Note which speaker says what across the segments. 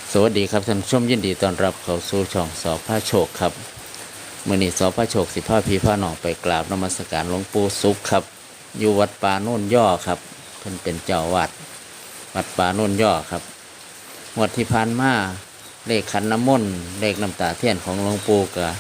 Speaker 1: สวัสดีครับท่านผู้ชมยินดีต้อนรับเข้าสู่ช่องสอพระโชคครับมื้อนี้สอพระโชคสิพาพี่พาน้องไปกราบนมัสการหลวงปู่สุขครับอยู่วัดป่าโน่นย่อครับเพิ่นเป็นเจ้าวัดวัดป่าโน่นย่อครับงวดที่ผ่านมาเลขขันน้ำมนต์เลขน้ำตาเทียนของหลวงปู่ก็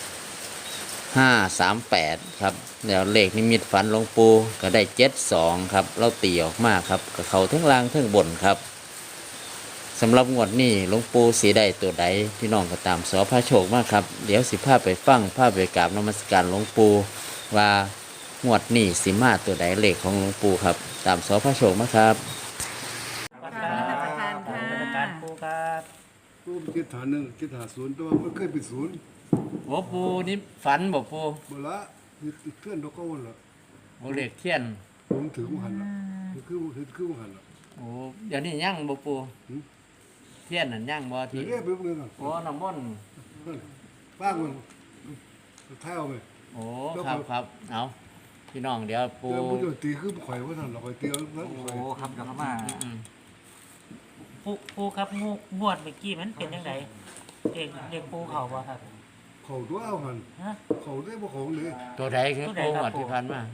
Speaker 1: 538ครับแล้วเลขนิมิตฝันหลวงปู่ก็ได้72ครับเราตีออกมาครับก็เข้าทั้งล่างทั้งบนครับสำหรับงวดนี้หลวงปู่สีได้ตัวใดพี่น้องก็ตามสอพระโชคมากครับเดี๋ยวสิพาไปฟังพาไปกราบนมัสการหลวงปู่ว่างวดนี้สิมาตัวใดเลขของหลวงปู่ครับตามสอพระโชคมาครับ
Speaker 2: วัด
Speaker 3: กราบนมัสการค่ะ
Speaker 2: นมัสการครูครับ
Speaker 4: กูคิดฐานหนึ่งคิดหาศูนย์แต่ว่ามันเคยเป็นศูนย์
Speaker 1: โอ้ปู่นี่ฝันบ่ปู่
Speaker 4: เมื่อละคือเคลื่อนดอกก้อนละ
Speaker 1: โอ้เลขเทียน
Speaker 4: ผมถือมันหันละคือมันหันละ
Speaker 1: โอ้เดี๋ยวนี้ยังบ่ปู่
Speaker 4: หืม
Speaker 1: เทียนนั่นยังบ่
Speaker 4: ถื
Speaker 1: ที่
Speaker 4: อเรียบไปเมื่อกัน
Speaker 1: โอ้น้ำมนต์
Speaker 4: ป้างมันเท้าไป
Speaker 1: โอ้ครับครับเอาพี่น้องเดี๋ยวปู่
Speaker 4: เดี๋ยวมันจะตีคือข่อยว่าท่านเราข่อยตีแล้ว
Speaker 2: โอ้
Speaker 4: ข่อย
Speaker 2: ครับเดี๋ยวเข้ามา
Speaker 1: อืม
Speaker 2: ปูครับงวดเมื่อกี้มันเป็นยังไงเด็กปูเขาบ่ครับ
Speaker 4: เขาตัวเอาหัน
Speaker 2: ฮะ
Speaker 4: เขาได้บ่ของเลย
Speaker 1: ตัวใดคือ
Speaker 2: ตัวใด
Speaker 1: ปู่
Speaker 2: ครับ
Speaker 1: งวดที่ผ่านมา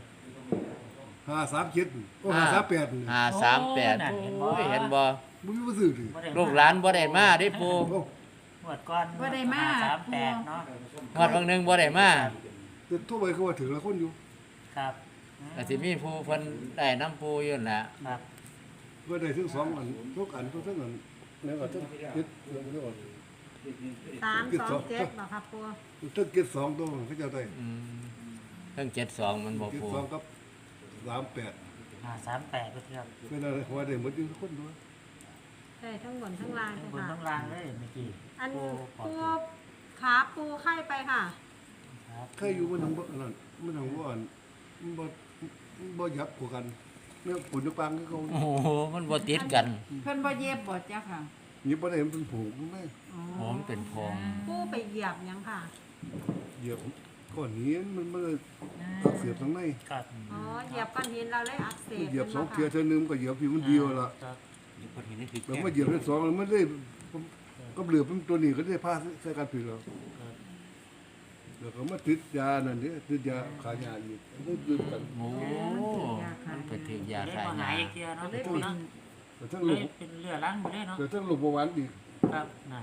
Speaker 4: 537ก็538
Speaker 1: 538โอ้ยเห็นบ่
Speaker 4: มึงไม่ซื้อดิ
Speaker 2: บ่ได้
Speaker 1: ลูกหลานบ่ได้มาเด้ปู่
Speaker 2: งวดก่อน
Speaker 3: บ่ได้มา
Speaker 2: 38เนาะ
Speaker 1: งวดบางหนึงบ่ได้มา
Speaker 4: แต่ทั่วไปเขาว่าถือละคนอยู่
Speaker 2: ครับ
Speaker 1: ก็สิมีผู้เพิ่นได้น้ำปู่อยู่นั่นล่ะ
Speaker 2: ครับ
Speaker 4: ก็ได้ถึง2อันทุกอันทุกอันแล้วก็ทั้งคิดเรื่อง
Speaker 3: 327บ่ครับปู
Speaker 4: ทั้งคิด2ตัวเขาจะได้
Speaker 1: อืมเพิ่ง72มันบ่
Speaker 4: คิด
Speaker 1: ปู่
Speaker 4: 2กับ38
Speaker 2: 38ก็ครับ
Speaker 4: ไม่น่าหัวได้หมดอยู่ทุกคนด้วย
Speaker 3: ได้ทั้งบนทั้งล่าง
Speaker 2: บน
Speaker 3: ค่ะ
Speaker 2: ต้องล่างเลยเมื่อกี้
Speaker 3: อัน
Speaker 2: ปูปลอด
Speaker 3: ปู
Speaker 2: ภัย
Speaker 3: ขาปูไข้ไปค่ะ
Speaker 2: ครับ
Speaker 4: ใครอยู่มันทางบ่นั่นมันทางบ่อันมันบ่ยับกว่ากันเนี่ยปุ่นปังก็เขา
Speaker 1: โอ้โหมันบ่ติดกัน
Speaker 5: เพิ่นบ่เย็บบ่จ้ะค่ะ
Speaker 4: หยิบบ่ได้มันเป็นผูกมันไม่
Speaker 3: อ๋อ
Speaker 1: โอ้มันเป็นพง
Speaker 3: ปูไปเหยียบหยังค่ะ
Speaker 4: เหยียบก้อนหินมันเลยอักเสียบทางใน
Speaker 2: ครับ
Speaker 3: อ๋อเหยียบก้อนหินเราเลยอักเสบ
Speaker 4: เหยียบสอง
Speaker 3: ขึ้
Speaker 4: เทีย
Speaker 3: นมา
Speaker 4: เท่านึงก็เหยียบอยู่คนเดียวละ
Speaker 2: ครับ
Speaker 4: แล้วมาเหยียบเป็นสองแล้วมันได้ก็เหลือเป็นตัวนี้ก็ได้ผ้าใส่กันผิดแล้วแล้วก็มาติดยานั่นนี่ติดยาขายาอีกได้ดื่มกัน
Speaker 1: โอ้มันไปถึงยา
Speaker 2: ได้
Speaker 1: ขาย
Speaker 2: บ่หาย
Speaker 1: ยา
Speaker 2: อีกเทียเนาะ
Speaker 3: ได้
Speaker 2: ปู
Speaker 3: เป็น
Speaker 2: เนาะ
Speaker 4: แต่ทั้ง
Speaker 2: เล
Speaker 4: ลู
Speaker 2: ย
Speaker 4: ก
Speaker 2: เป็นเรือล้างหมดเลยเนาะ
Speaker 4: แต่ทั้งลูกประวันอีก
Speaker 2: ครับนั่น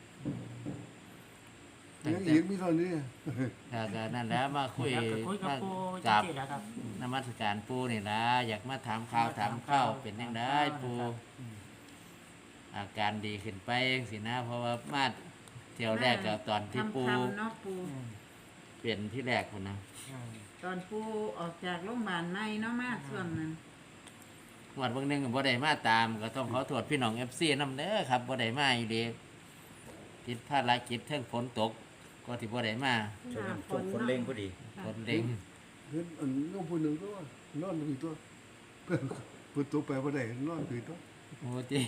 Speaker 4: ยังอีกมีเท่านี้
Speaker 1: แล้วก็นั่นแหล้วมาคุย
Speaker 2: อยากจะคุยกับ
Speaker 1: มา
Speaker 2: ปู
Speaker 1: กับ
Speaker 2: จริงๆแล้วครับ
Speaker 1: นมัสการปูนี่นะอยากมาถามข่าวถามข้าวเป็นยังไงปูอาการดีขึ้นไปสินะ เพราะว่ามาเที่ยวแรกก็ตอนที่ปู
Speaker 5: ทำเนาะปู
Speaker 1: เปลี่ยนที่แรกคนนะ
Speaker 5: ตอนปูออกจากโรงพยาบาลใหม่เนาะมาส่วนนั้น
Speaker 1: งวดเบางหนึงก็บ่ได้มาตาม ก็ต้องขอโทษพี่น้อง FC นำเด้อครับบ่ได้มาอีเด้ติดภารกิจเทิงฝนตกก็ที่บ่ได้มา
Speaker 3: หน้าฝน
Speaker 6: คนเล่งพอดี
Speaker 1: ฝนเล็ง
Speaker 4: เห็นอันน้องผู้หนึ่งตัวนอนอยู่ตัวเปิดตัวไปบ่ได้นอนอยู่ตัว
Speaker 1: โอ้ติ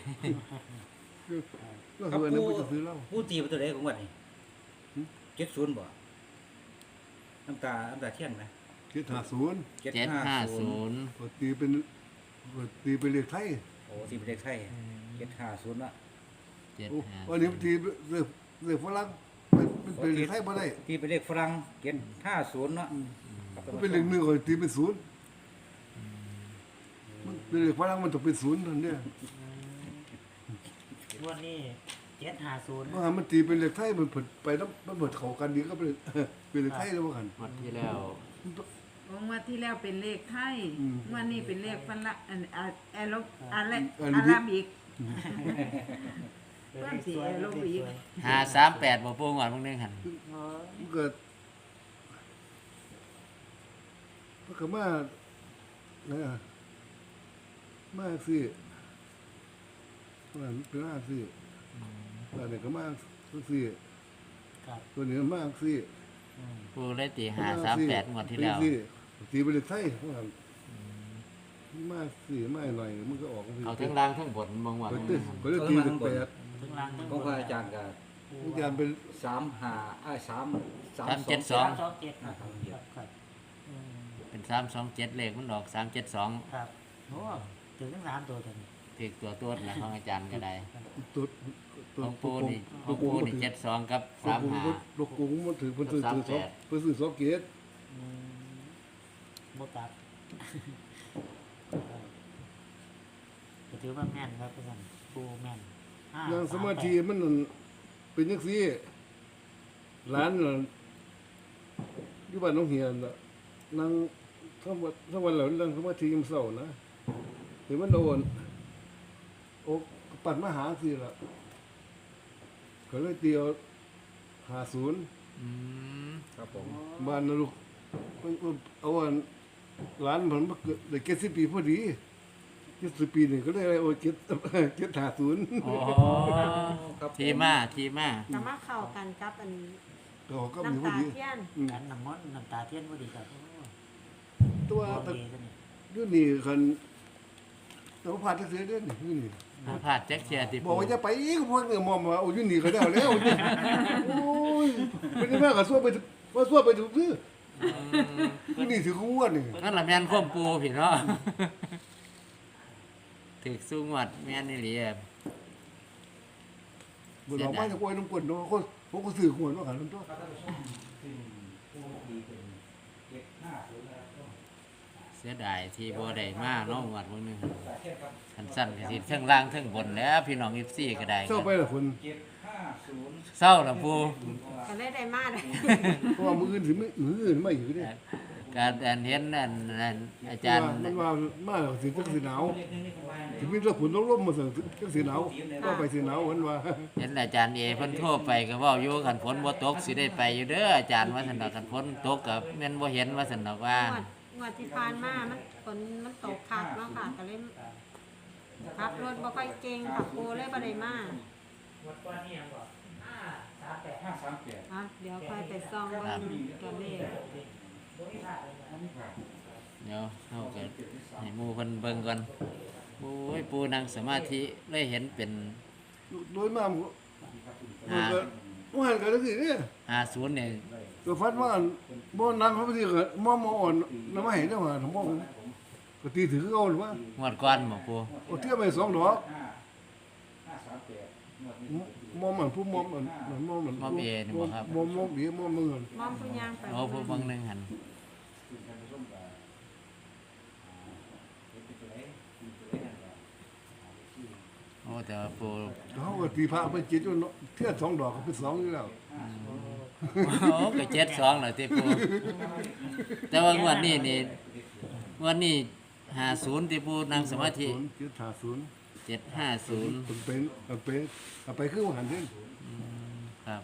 Speaker 4: ก็คืออันนั้นมันจะซื้อเหล้า
Speaker 6: ผู้ตีประตูใดของวันนี้70บ่น้ำตาเทียนไหม
Speaker 4: คิดหาศูนย์
Speaker 1: 750
Speaker 4: ก็ตีเป็นเลขไทย
Speaker 6: โอ้ตีเป็นเลขไทย750ละ
Speaker 4: โอ้วันนี้ตีเลขฝรั่งเป็นเลขไทยบ่ได้
Speaker 6: ตีเป็นเลขฝรั่ง750เนาะ
Speaker 4: มันเป็นเลขหนึ่งก็ตีเป็นศูนย์มันเป็นเลขฝรั่งมันต้องเป็นศูนย์นั่นเนี่ย
Speaker 2: งวดนี้750
Speaker 4: ว่าหามันตีเป็นเลขไทยมันเผิดไปแล้วมันเผิดเข้ากันดีก็เป็นเลขไทยแล้วว่ากัน
Speaker 1: งวดที่แล้ว
Speaker 5: งวดที่แล้วเป็นเลขไทย
Speaker 4: อืม
Speaker 5: งวดนี้เป็นเลขฝรั่งแอโรอะไร
Speaker 4: อา
Speaker 5: อา
Speaker 4: ราบิก
Speaker 5: ราบิก เพิ่มสีลงอีก
Speaker 1: 538บ่ปูงวดเบางหนึงหั่น
Speaker 4: มันเกิดมันก็มาเนี่ยมาสิมันเป็นมาสิตัวนี้ก็มาสิ
Speaker 2: ครับ
Speaker 4: ตัวนี้มาสิ
Speaker 1: ปูเลยตี538งวดที่แล้ว
Speaker 4: ตีไปเลยไทยว่ากันมาสิมาหน่อยมันก็ออก
Speaker 1: เอาทั้งล่างทั้งบนบางวัน
Speaker 4: ก็เลยตีเป็นแปด
Speaker 2: ถึงล่างถึง
Speaker 6: ของพระอาจารย์ก็
Speaker 4: อาจารย์เป็น
Speaker 2: 327ครับอืม
Speaker 1: เป็น327เลขมันออก372
Speaker 2: ครับโอ้ถึงทั้ง3ตัวตัวนี้
Speaker 1: ถึกตัวตัวนะของอาจารย์ก็ได้
Speaker 4: ตัว
Speaker 1: หลวงปู่นี่หลวงปู่นี่72กับ35
Speaker 4: ลูกกุ้งมันถือเพิ่นซื้อ
Speaker 1: กับ
Speaker 4: สอง
Speaker 1: 38
Speaker 4: เพิ่นซื้อ2เกต
Speaker 2: โมตัดก็ถือว่าแม่นครับพี่สันปูแม่น5
Speaker 4: นั่งสมาธิมันนั่นเป็นจังซี่ร้านน่ะอยู่บ้านหนองเฮียนน่ะนั่งทั้งวันแล้วนั่งสมาธิยามเช้านะเห็นมันโดนโอ้ปัดมาหาสิล่ะก็เลยเตียว50
Speaker 1: อืม
Speaker 6: ครับผม
Speaker 4: บ้านนะลูกเอาอันร้านผมมาเกิดได้70 ปีพอดี70 ปีนี่ก็ได้โอ้750
Speaker 1: โอ้
Speaker 6: ครับ
Speaker 1: ที่มา
Speaker 3: จะมาเข้ากันกับอัน
Speaker 4: ก็มี
Speaker 3: น้ำ
Speaker 4: พอ
Speaker 3: ตา
Speaker 4: ดี
Speaker 3: เทียน
Speaker 2: กันน้ำมนต์น้ำตาเทียนพอดีครับ
Speaker 4: ตัว
Speaker 2: โอ
Speaker 4: ตะ
Speaker 2: เคซะนี่
Speaker 4: อยู่นี่คันตัวผ่านจักเสียเด้อนี่อยู่นี่
Speaker 1: บ่พลาดจักเที่ยติ
Speaker 4: บอ
Speaker 1: ปู
Speaker 4: กว่าจะไปอีกพวกเนี่ยมอมว่าโอ้อยู่นี่ก็ได้แล้วโอ้ยเป็นแม่ก็ซั่วไปว่าซั่วไปถูกซื้ออยู่นี่ถือของวดนี่
Speaker 1: นั่นล่ะแม่นความปูพี่เนาะถึกสู้งวดแม่นอีหลีอะ
Speaker 4: บ่ดอกไม้จะกล้วยน้ำกวนเนาะคนพวกก็ซื้อหวยเนาะกันนั่นตัว
Speaker 1: เสียดายที่บ่ได้มาเนาะงวดมื้อนึงคันสั้นก็สิเทั้งล่างเทั้งบนแหล้วพี่น้อง FC ก็ได้
Speaker 4: เศร้าไปล่ะคน
Speaker 1: เศร้าล่ะปู
Speaker 3: ก็เลยได้มาเลย
Speaker 4: เพราะว่ามื้ออื่นสิมื้ออื่นไม่อยู่เด้
Speaker 1: การอันเห็นอันอาจารย์
Speaker 4: มันว่ามาแล้วสิจักสิหนาวสิมีแต่ฝนต้องลมมาสั่งจักสิหนาวก็ไปสิหนาวเพิ่นว่า
Speaker 1: เห็นอาจารย์เอเพิ่นโทรไปก็เว้าอยู่คันฝนบ่ตกสิได้ไปอยู่เด้ออาจารย์ว่าซั่นดอกคันฝนตกก็แม่นบ่เห็นว่าซั่นดอกว่า
Speaker 3: งวดที่ผ่านมามันฝนมันตกคักเนาะค่ะก็เลยขับรถบ่ค่อยเก่งค่ะปูเลยบ่ได้มา
Speaker 2: วัดก้อนนี่ยังบอก538
Speaker 3: อ่ะเดี๋ยวค่อยไปซ่องเบิ่งตัวเลข
Speaker 1: เดี๋ยวเฮาก็ให้หมู่เพิ่นเบิ่งก่อนโอ้ยปูนั่งสมาธิเลยเห็นเป็น
Speaker 4: โดยมากมันก็ว่าหันกันจังซี่เด้
Speaker 1: 50นี่
Speaker 4: ก็ฟัดว่าบ่นั่งเขาไปสิก็มอมอ่อนนำมาให้เด้อว่าทั้งบ่ก็ตีถือเอาหรือว่าง
Speaker 1: วดก่อนบ่ปู
Speaker 4: เอาเทียบไป2ดอกมอมมันผู้มอมมันมอมมัน
Speaker 1: มอบเอนี่บ่ครับ
Speaker 4: มอมดีมอมมึง
Speaker 3: มอมผู้ย่างไป
Speaker 1: โอ้ผู้เบิ่งหนึงหั่นโอ้แต่ว่าปู
Speaker 4: เขาก็ตีพระไปจิตอยู่เนาะเทียบ2ดอกก็เป็น2อยู่แล้ว
Speaker 1: โอ้ก็72แล้วติปูแต่ว่างวดนี้นี่งวดนี้50ติปูนั่งสมาธิ
Speaker 4: 750
Speaker 1: 750
Speaker 4: เป็นคือว่าหันเด้
Speaker 1: ครับ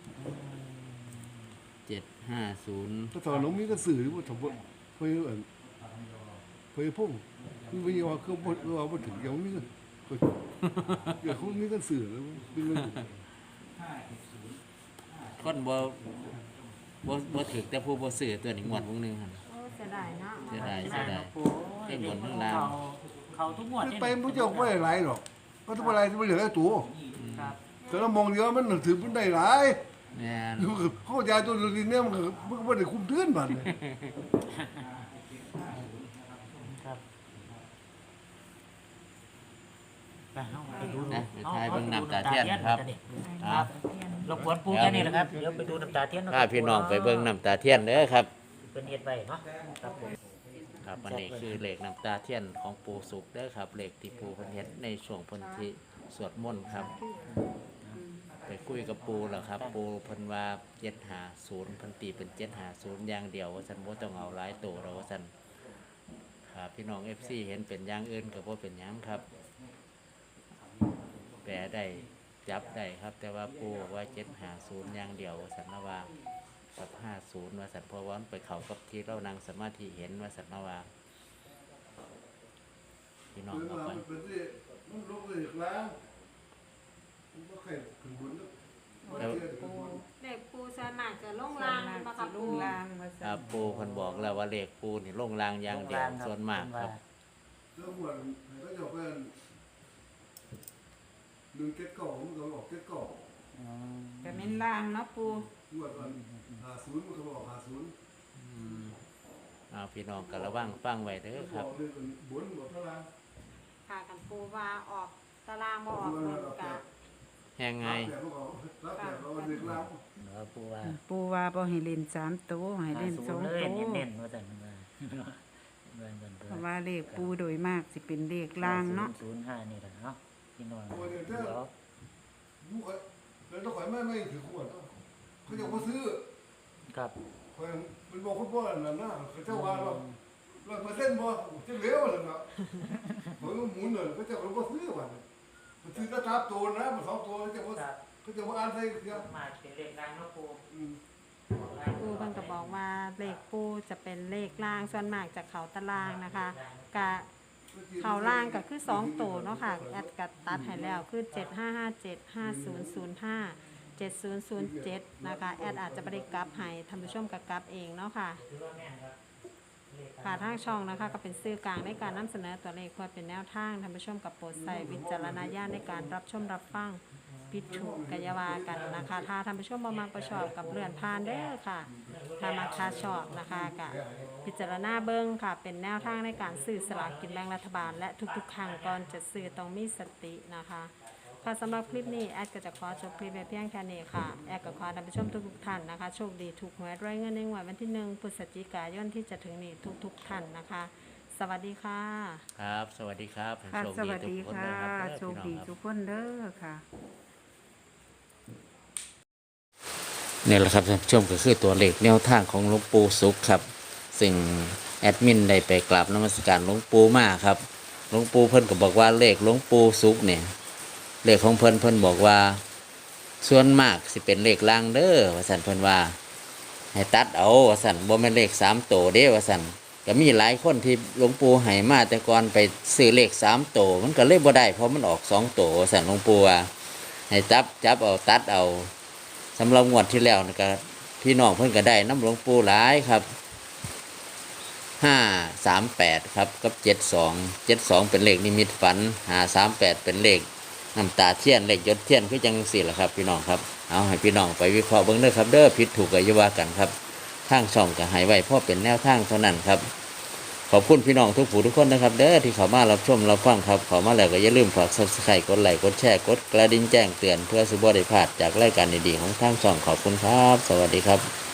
Speaker 1: 750
Speaker 4: ถ้าตอนน้องมีก็สื่อว่าทำบ่เพิ่นเอิ้นเพิ่นพุ่งคือว่าว่าคือว่าบ่ถึงยังมีก็เดี๋ยวเขามีก็สื่อแล้วเป็นเรื่อง
Speaker 1: คนบ่ถึกแต่ผู้บ่ซื้อตัวนี้งวดวงหนึงหั่น
Speaker 3: โอ้เสียดายเนาะ
Speaker 1: เสียดาย
Speaker 2: ปู
Speaker 1: เอ้ยบนข้างล่าง
Speaker 2: เขาทุกงวดนี่
Speaker 4: ไปบ่เจ้าบ่ได้หลายหรอกก็ต้องอะไรที่มันเหลือตัว
Speaker 2: ครับ
Speaker 4: แต่เรามองเดียวมันถือมันได้หลาย
Speaker 1: แม่น
Speaker 4: เขายาตัวนี้เนี่ยมันก็บ่ได้คุ้มเทือนบัดนี่
Speaker 2: ครับไปเฮาไปดู
Speaker 1: นะไปทายเบิ่งน้ำตาเทียนครับ
Speaker 2: ครับรบกวนปูแค่นี้แหละครับเดี๋ยวไปดูน้ำตาเทียน
Speaker 1: พาพี่น้องไปเบิ่งน้ำตาเทียนเด้อครับ
Speaker 2: เป็นเฮ็ดไว้เนาะครับผม
Speaker 1: ครับอันนี้คือเลขน้ำตาเทียนของปู่สุขเด้อครับเลขที่ปู่เพิ่นเฮ็ดในช่วงเพิ่นที่สวดมนต์ครับ ไปคุยกับปู่แล้วครับ ปู่เพิ่นว่า750เพิ่นตีเป็น750อย่างเดียวว่าซั่นบ่ต้องเอาหลายตัวแล้วว่าซั่นครับพี่น้อง FC เห็นเป็นอย่างอื่นก็บ่เป็นหยังครับ แปลได้จับได้ครับ แต่ว่าปู่บอกว่า750อย่างเดียวว่าซั่นนะว่ากับ50ว่าซั่นเพราะว่ามันไปเข้ากับที่เรานั่งสมาธิเห็นว่าซั่นนะว่าพี่น้องเอาไป
Speaker 4: มันลงเลยแล้วมันก็แค่ขึ้นบนแล้ว
Speaker 3: เลขปูส่วนมากจะลง
Speaker 5: ลา
Speaker 3: ล่าง
Speaker 5: ง
Speaker 3: มา
Speaker 5: กั
Speaker 3: กั
Speaker 5: บบ ลุ
Speaker 3: ปู
Speaker 5: งลางว่า
Speaker 1: ครั
Speaker 5: ซั่
Speaker 1: บ
Speaker 5: น
Speaker 1: ปู่เพิ่นบอกแล้วว่าเลขปู่นี่ลงรางอย่างเดียวส่วนมากครับ
Speaker 4: แล้วหมดก็จะเป็นดึงเก็ตเก่ามันก็ออกเก็ตเก่า
Speaker 5: ก็แม่นลางเนาะปู
Speaker 4: หมดมัน50มันก็ออก50
Speaker 1: เอาพี่น้องก็ระวังฟังไว้เด้อครับ
Speaker 4: เลยบนบอกเท่าไหร่
Speaker 3: ค่ะกันปูว่าออกตารางบ่ออกบนกะ
Speaker 1: แฮยังไง
Speaker 4: รับแต่เราเรียกเรา
Speaker 2: เนาะปูว่า
Speaker 5: ปูว่าบ่ให้เล่น3ตัวให้เล่น
Speaker 2: 50
Speaker 5: 2
Speaker 2: เลย
Speaker 5: ตัว
Speaker 2: เน้นๆว่าซั่นว่าเบิ่งกัน
Speaker 5: เพราะว่าเลขปูโดยมากสิเป็นเลขล่างเนาะ
Speaker 2: 05นี่แหละเนาะพี่น้อง
Speaker 4: โอ้ย
Speaker 2: เดี๋
Speaker 4: เดี๋
Speaker 2: ย
Speaker 4: ยว วลูกแล้วต้องขายไม่ถือขวดเขาจะมาซื้อ
Speaker 2: ครับ
Speaker 4: มันบอกคุณพ่อนั่นนะเขาเจ้าว่าเราเปอร์เซ็นต์บ่จะเหลวเลยนะผมหมุนเลยเขาจะเขาซื้อวันมันซื้อตะทับตัวนะมัน2ตัวจะว่าเขาจะว่าอ่านใส่เดียว
Speaker 2: มาเป็นเลขดังเนาะปู
Speaker 3: ปูเพิ่นก็บอกว่าเลขปูจะเป็นเลขล่างส่วนมากจากเขาตารางนะคะกะเขาล่างก็คือ2ตัวเนาะค่ะแอดกัตัดให้แล้วคือ7557 5005 7007นะคะแอดอาจจะบ่ได้กลับให้ท่านผู้ชมก็กลับเองเนาะค่ะค่ะทางช่องนะคะก็เป็นสื่อกลางในการนำเสนอตัวเลขเพื่อเป็นแนวทางท่านผู้ชมกับโปรดใส่วิจารณญาณในการรับชมรับฟังปิดถูกกายาวากันนะคะถ้าท่านผู้ชมบ่มักประชอบกับเลื่อนผ่านเด้อค่ะถ้ามักชาชอบนะคะกับพิจารณาเบิ้งค่ะเป็นแนวทางในการซื้อสลากกินแบ่งรัฐบาลและทุกๆครั้งก่อนจะซื้อต้องมีสตินะคะค่ะสำหรับคลิปนี้แอดก็จะขอจบคลิปไว้เพียงแค่นี้ค่ะแอดก็ขอท่านผู้ชมทุกๆท่านนะคะโชคดีถูกหวยรวยเงินในงวดวันที่1 พฤศจิกายนที่จะถึงนี้ทุกๆท่านนะคะ สวัสดีค่ะ
Speaker 1: ครับ สวัสดีครับ
Speaker 5: ค่ะ
Speaker 1: โชค
Speaker 5: สวัสดี
Speaker 1: ทุกน
Speaker 5: ค่ะ
Speaker 1: เลยรับ
Speaker 5: โชคดี
Speaker 1: พี่น้องครับ
Speaker 5: ทุกคนเด้อค่ะ
Speaker 1: นี่แหละครับท่านผู้ชมก็คือตัวเลขแนวทางของหลวงปู่สุขครับ ซึ่งแอดมินได้ไปกราบนมัสการหลวงปู่มาครับหลวงปู่เพิ่นก็บอกว่าเลขหลวงปู่สุขเนี่ยเลขของเพิ่นบอกว่าส่วนมากสิเป็นเลขล่างเด้อว่าสันเพิ่นว่าให้ตัดเอาว่าสันบ่แม่นเลข3ตัวเด้ว่าสันก็มีหลายคนที่หลวงปู่ให้มาแต่ก่อนไปซื้อเลข3ตัวมันก็เลยบ่ได้เพราะมันออก2ตัวว่าสันหลวงปู่ว่าให้จับเอาตัดเอาสำหรับงวดที่แล้วนี่ก็พี่น้องเพิ่นก็ได้น้ำหลวงปู่หลายครับ538ครับกับ72เป็นเลขนิมิตฝัน538เป็นเลขน้ำตาเทียนเลขยศเทียนคือจังสี่แหละครับพี่น้องครับเอาให้พี่น้องไปวิเคราะห์เบิ่งเด้อครับเด้อผิดถูกก็อย่าว่ากันครับทางช่องก็ให้ไว้เพราะเป็นแนวทางเท่านั้นครับขอบคุณพี่น้องทุกผู้ทุกคนนะครับเด้อที่เข้ามารับชมรับฟังครับเข้ามาแล้วก็อย่าลืมฝาก Subscribe กดไลค์กดแชร์กดกระดิ่งแจ้งเตือนเพื่อสิบ่ได้พลาดจากรายการดีๆของทางช่องขอบคุณครับสวัสดีครับ